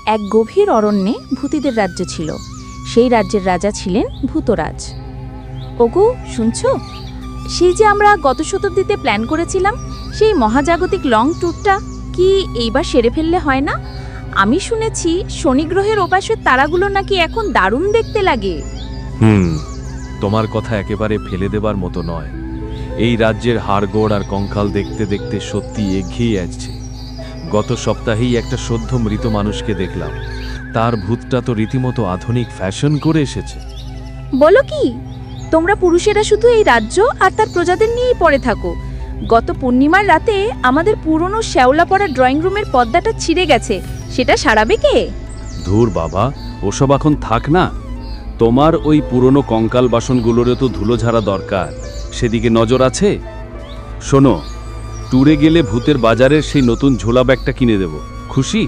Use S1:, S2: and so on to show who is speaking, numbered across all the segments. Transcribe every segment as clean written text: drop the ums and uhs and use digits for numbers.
S1: এক গভীর অরণ্যে ভূতিদের রাজ্য ছিল। সেই রাজ্যের রাজা ছিলেন ভূতরাজ। ওগো, শুনছো? সেই যে আমরা গত শতাব্দীতে প্ল্যান করেছিলাম, সেই মহাজাগতিক লং ট্যুরটা কি এইবার সেরে ফেললে হয় না? আমি শুনেছি শনিগ্রহের ওপাশের তারাগুলো নাকি এখন দারুণ দেখতে লাগে।
S2: তোমার কথা একেবারে ফেলে দেবার মতো নয়। এই রাজ্যের হাড়গোড় আর কঙ্কাল দেখতে দেখতে সত্যি এগিয়ে আসছে। গত সপ্তাহেই একটা সদ্য মৃত মানুষকে দেখলাম। তার ভূতটা তো রীতিমতো আধুনিক ফ্যাশন করে এসেছে।
S1: বলো কি, তোমরা পুরুষেরা শুধু এই রাজ্য আর তার প্রজাদের নিয়েই পড়ে থাকো? গত পূর্ণিমার রাতে আমাদের পুরনো শ্যাওলা পড়া ড্রয়িং রুমের পর্দাটা ছিঁড়ে গেছে, সেটা সারাবে কে?
S2: ধুর বাবা, ওসব এখন থাক না। তোমার ওই পুরনো কঙ্কাল বাসনগুলোরও তো ধুলো ঝাড়া দরকার, সেদিকে নজর আছে? শোনো, ট্যুরে গেলে ভূতের বাজারের সেই নতুন ঝোলা ব্যাগটা কিনে দেব। খুশি?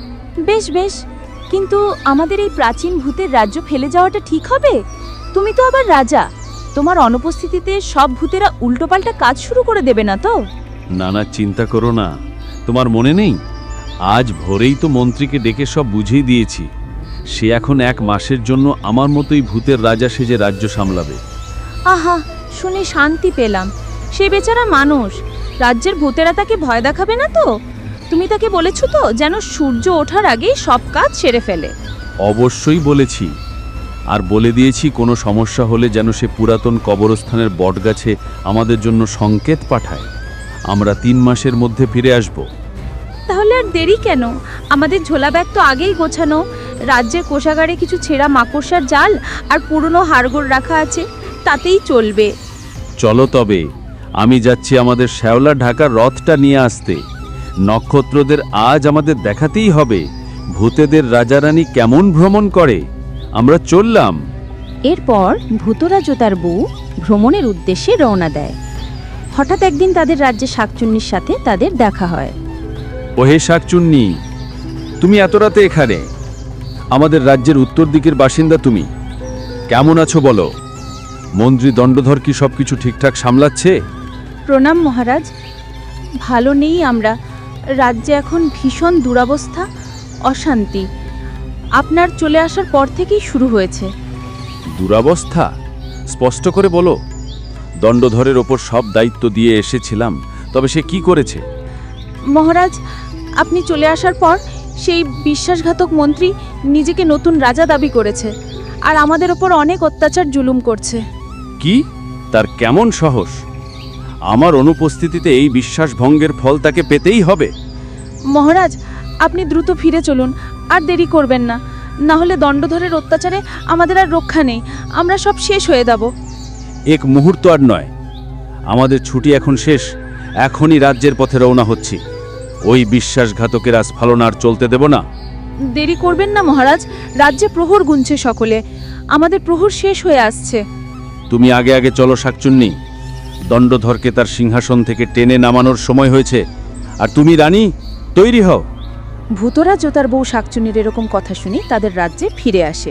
S1: বেশ বেশ, কিন্তু আমাদের এই প্রাচীন ভূতের রাজ্য ফেলে যাওয়াটা ঠিক হবে? তুমি তো আবার রাজা, তোমার অনুপস্থিতিতে সব ভূতেরা উল্টোপাল্টা কাজ শুরু করে দেবে না তো?
S2: না না, চিন্তা করো না। তোমার মনে নেই, আজ ভোরেই তো মন্ত্রীকে ডেকে সব বুঝিয়ে দিয়েছি। সে এখন 1 মাসের জন্য আমার মতোই ভূতের রাজা সেজে রাজ্য সামলাবে।
S1: আহা, শুনে শান্তি পেলাম। সে বেচারা মানুষ, রাজ্যের ভূতেরা তাকে ভয় দেখাবে না তো? তুমি তাকে বলেছো তো যেন সূর্য ওঠার আগেই সব কাজ সেরে ফেলে?
S2: অবশ্যই বলেছি, আর বলে দিয়েছি কোনো সমস্যা হলে যেন সে পুরাতন কবরস্থানের বটগাছে আমাদের জন্য সংকেত পাঠায়। আমরা 3 মাসের মধ্যে ফিরে আসব।
S1: তাহলে আর দেরি কেন? আমাদের ঝোলা ব্যাগ তো আগেই গোছানো। রাজ্যের কোষাগারে কিছু ছেঁড়া মাকড়সার জাল আর পুরনো হাড়গোড় রাখা আছে, তাতেই চলবে।
S2: চলো তবে, আমি যাচ্ছি আমাদের শ্যাওলা ঢাকার রথটা নিয়ে আসতে। নক্ষত্রদের আজ আমাদের দেখাতেই হবে ভূতেদের রাজারানী কেমন ভ্রমণ করে। আমরা চললাম।
S1: এরপর ভূতরাজ ও তার বউ ভ্রমণের উদ্দেশ্যে রওনা দেয়। হঠাৎ একদিন তাদের রাজ্যে শাকচুন্নির সাথে তাদের দেখা হয়।
S2: ওহে শাকচুন্নি, তুমি এত রাতে এখানে? আমাদের রাজ্যের উত্তর দিকের বাসিন্দা তুমি। কেমন আছো বলো? মন্ত্রী দণ্ডধর কি সবকিছু ঠিকঠাক সামলাচ্ছে?
S1: প্রণাম মহারাজ, ভালো নেই আমরা। রাজ্যে এখন ভীষণ দুরবস্থা, অশান্তি। আপনার চলে আসার পর থেকেই শুরু হয়েছে।
S2: দুরবস্থা? স্পষ্ট করে বলো। দণ্ডধরের ওপর সব দায়িত্ব দিয়ে এসেছিলাম, তবে সে কি করেছে?
S1: মহারাজ, আপনি চলে আসার পর সেই বিশ্বাসঘাতক মন্ত্রী নিজেকে নতুন রাজা দাবি করেছে, আর আমাদের ওপর অনেক অত্যাচার জুলুম করছে।
S2: কি? তার কেমন সাহস? আমার অনুপস্থিতিতে এই বিশ্বাসভঙ্গের ফল তাকে পেতেই হবে।
S1: মহারাজ, আপনি দ্রুত ফিরে চলুন, আর দেরি করবেন না। না হলে দণ্ডধরের অত্যাচারে আমাদের আর রক্ষা নেই, আমরা সব শেষ হয়ে যাব।
S2: 1 মুহূর্ত আর নয়, আমাদের ছুটি এখন শেষ। এখনই রাজ্যের পথে রওনা হচ্ছি। ওই বিশ্বাসঘাতকের আস্ফালন আর চলতে দেব না।
S1: দেরি করবেন না মহারাজ, রাজ্যে প্রহর গুনছে সকলে, আমাদের প্রহর শেষ হয়ে আসছে।
S2: তুমি আগে আগে চলো শাকচুন্নি। দণ্ডধরকে তার সিংহাসন থেকে টেনে নামানোর সময় হয়েছে। আর তুমি রানী, তৈরি হও।
S1: ভূতরাজ ও তার বউ শাকচুন্নির এরকম কথা শুনে তাদের রাজ্যে ফিরে আসে।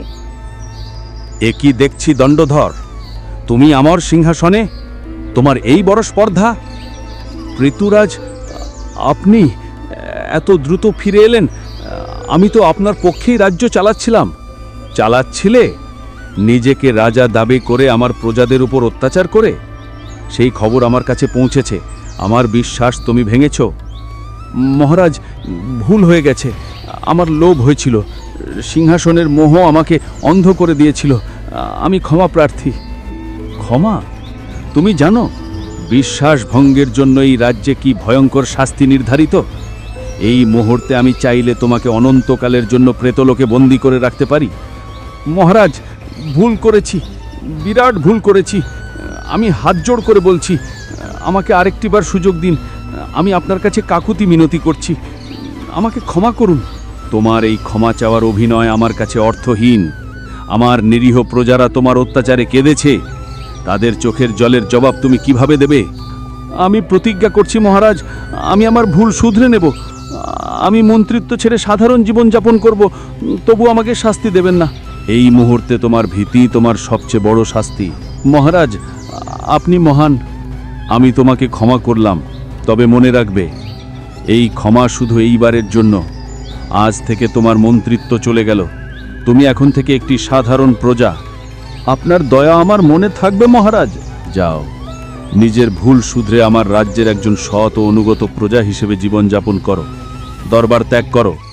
S2: এ কি দেখছি দণ্ডধর, তুমি আমার সিংহাসনে? তোমার এই বড় স্পর্ধা! ঋতুরাজ, আপনি এত দ্রুত ফিরে এলেন? আমি তো আপনার পক্ষেই রাজ্য চালাচ্ছিলাম। চালাচ্ছিলে? নিজেকে রাজা দাবি করে আমার প্রজাদের উপর অত্যাচার করে? সেই খবর আমার কাছে পৌঁছেছে। আমার বিশ্বাস তুমি ভেঙেছ। মহারাজ, ভুল হয়ে গেছে। আমার লোভ হয়েছিল, সিংহাসনের মোহ আমাকে অন্ধ করে দিয়েছিল। আমি ক্ষমা প্রার্থী। ক্ষমা? তুমি জানো বিশ্বাস ভঙ্গের জন্য এই রাজ্যে কি ভয়ঙ্কর শাস্তি নির্ধারিত? এই মুহূর্তে আমি চাইলে তোমাকে অনন্তকালের জন্য প্রেতলোকে বন্দী করে রাখতে পারি। মহারাজ, ভুল করেছি, বিরাট ভুল করেছি। আমি হাত জোড় করে বলছি, আমাকে আরেকটিবার সুযোগ দিন। আমি আপনার কাছে কাকুতি মিনতি করছি, আমাকে ক্ষমা করুন। তোমার এই ক্ষমা চাওয়ার অভিনয় আমার কাছে অর্থহীন। আমার নিরীহ প্রজারা তোমার অত্যাচারে কেঁদেছে, তাদের চোখের জলের জবাব তুমি কিভাবে দেবে? আমি প্রতিজ্ঞা করছি মহারাজ, আমি আমার ভুল শুধরে নেব। আমি মন্ত্রিত্ব ছেড়ে সাধারণ জীবনযাপন করব, তবু আমাকে শাস্তি দেবেন না। এই মুহূর্তে তোমার ভীতি তোমার সবচেয়ে বড় শাস্তি। মহারাজ, আপনি মহান, আমি তোমাকে ক্ষমা করলাম। তবে মনে রাখবে, এই ক্ষমা শুধু এইবারের জন্য। আজ থেকে তোমার মন্ত্রিত্ব চলে গেল। তুমি এখন থেকে একটি সাধারণ প্রজা। আপনার দয়া আমার মনে থাকবে মহারাজ। যাও, নিজের ভুল শুধরে আমার রাজ্যের একজন সৎ ও অনুগত প্রজা হিসেবে জীবনযাপন করো। দরবার ত্যাগ করো।